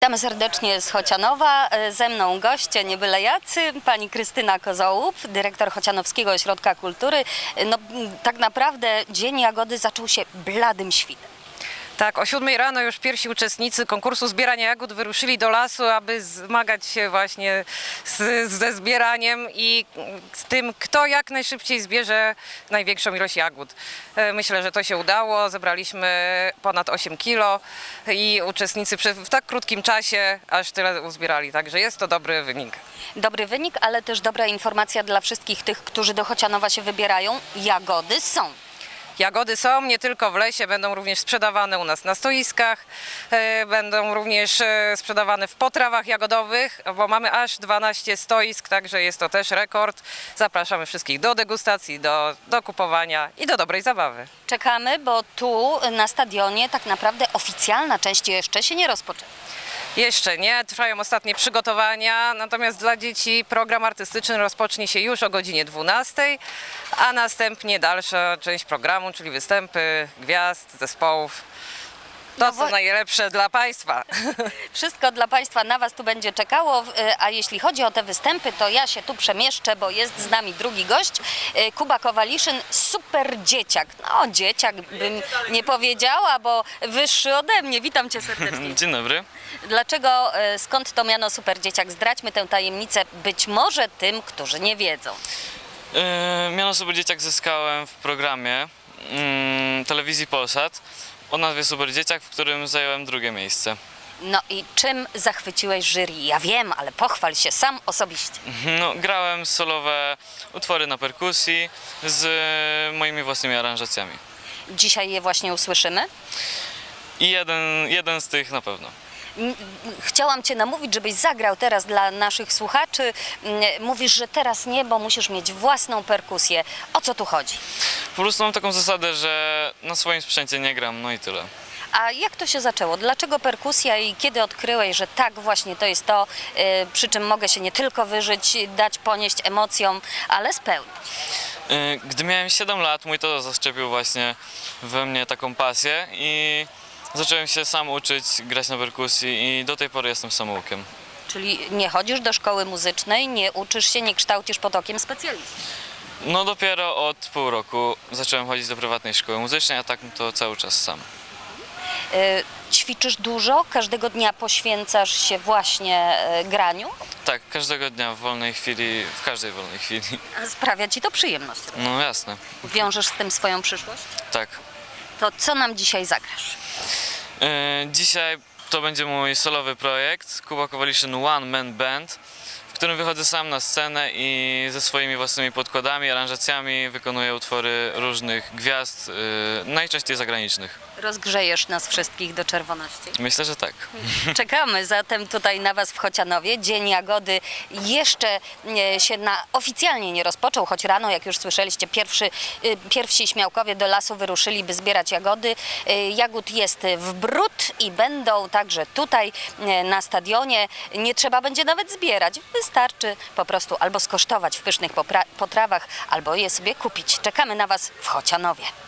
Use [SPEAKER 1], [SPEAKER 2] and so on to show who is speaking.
[SPEAKER 1] Witamy serdecznie z Chocianowa. Ze mną goście nie byle jacy, pani Krystyna Kozołup, dyrektor Chocianowskiego Ośrodka Kultury. No, tak naprawdę Dzień Jagody zaczął się bladym świtem.
[SPEAKER 2] Tak, o 7 rano już pierwsi uczestnicy konkursu zbierania jagód wyruszyli do lasu, aby zmagać się właśnie ze zbieraniem i z tym, kto jak najszybciej zbierze największą ilość jagód. Myślę, że to się udało. Zebraliśmy ponad 8 kilo i uczestnicy w tak krótkim czasie aż tyle uzbierali, także jest to dobry wynik.
[SPEAKER 1] Dobry wynik, ale też dobra informacja dla wszystkich tych, którzy do Chocianowa się wybierają. Jagody są.
[SPEAKER 2] Jagody są, nie tylko w lesie, będą również sprzedawane u nas na stoiskach, będą również sprzedawane w potrawach jagodowych, bo mamy aż 12 stoisk, także jest to też rekord. Zapraszamy wszystkich do degustacji, do kupowania i do dobrej zabawy.
[SPEAKER 1] Czekamy, bo tu na stadionie tak naprawdę oficjalna część jeszcze się nie rozpoczęła.
[SPEAKER 2] Jeszcze nie, trwają ostatnie przygotowania, natomiast dla dzieci program artystyczny rozpocznie się już o godzinie 12, a następnie dalsza część programu, czyli występy gwiazd, zespołów. To co najlepsze dla Państwa.
[SPEAKER 1] Wszystko dla Państwa na Was tu będzie czekało, a jeśli chodzi o te występy, to ja się tu przemieszczę, bo jest z nami drugi gość, Kuba Kowaliszyn, super dzieciak. No dzieciak bym nie powiedziała, bo wyższy ode mnie. Witam Cię serdecznie.
[SPEAKER 3] Dzień dobry.
[SPEAKER 1] Dlaczego, skąd to miano super dzieciak? Zdradźmy tę tajemnicę być może tym, którzy nie wiedzą.
[SPEAKER 3] Miano Super Dzieciak zyskałem w programie telewizji Polsat o nazwie Super Dzieciak, w którym zająłem drugie miejsce.
[SPEAKER 1] No i czym zachwyciłeś jury? Ja wiem, ale pochwal się sam osobiście.
[SPEAKER 3] No, grałem solowe utwory na perkusji z moimi własnymi aranżacjami.
[SPEAKER 1] Dzisiaj je właśnie usłyszymy.
[SPEAKER 3] I jeden z tych na pewno.
[SPEAKER 1] Chciałam Cię namówić, żebyś zagrał teraz dla naszych słuchaczy. Mówisz, że teraz nie, bo musisz mieć własną perkusję. O co tu chodzi?
[SPEAKER 3] Po prostu mam taką zasadę, że na swoim sprzęcie nie gram, no i tyle.
[SPEAKER 1] A jak to się zaczęło? Dlaczego perkusja i kiedy odkryłeś, że tak właśnie to jest to, przy czym mogę się nie tylko wyżyć, dać ponieść emocjom, ale spełnić?
[SPEAKER 3] Gdy miałem 7 lat, mój tata zaszczepił właśnie we mnie taką pasję i zacząłem się sam uczyć grać na perkusji i do tej pory jestem samoukiem.
[SPEAKER 1] Czyli nie chodzisz do szkoły muzycznej, nie uczysz się, nie kształcisz pod okiem specjalisty.
[SPEAKER 3] No dopiero od pół roku zacząłem chodzić do prywatnej szkoły muzycznej, a tak to cały czas sam.
[SPEAKER 1] Ćwiczysz dużo? Każdego dnia poświęcasz się właśnie graniu?
[SPEAKER 3] Tak, każdego dnia w wolnej chwili, w każdej wolnej chwili.
[SPEAKER 1] Sprawia Ci to przyjemność?
[SPEAKER 3] No jasne,
[SPEAKER 1] Wiążesz z tym swoją przyszłość?
[SPEAKER 3] tak.
[SPEAKER 1] To co nam dzisiaj zagrasz?
[SPEAKER 3] Dzisiaj to będzie mój solowy projekt, Kuba Kowaliszyn One Man Band, w którym wychodzę sam na scenę i ze swoimi własnymi podkładami, aranżacjami wykonuję utwory różnych gwiazd, najczęściej zagranicznych.
[SPEAKER 1] Rozgrzejesz nas wszystkich do czerwoności.
[SPEAKER 3] Myślę, że tak.
[SPEAKER 1] Czekamy zatem tutaj na Was w Chocianowie. Dzień Jagody jeszcze się oficjalnie nie rozpoczął, choć rano, jak już słyszeliście, pierwsi śmiałkowie do lasu wyruszyli, by zbierać jagody. Jagód jest w bród i będą także tutaj na stadionie. Nie trzeba będzie nawet zbierać. Wystarczy po prostu albo skosztować w pysznych potrawach, albo je sobie kupić. Czekamy na Was w Chocianowie.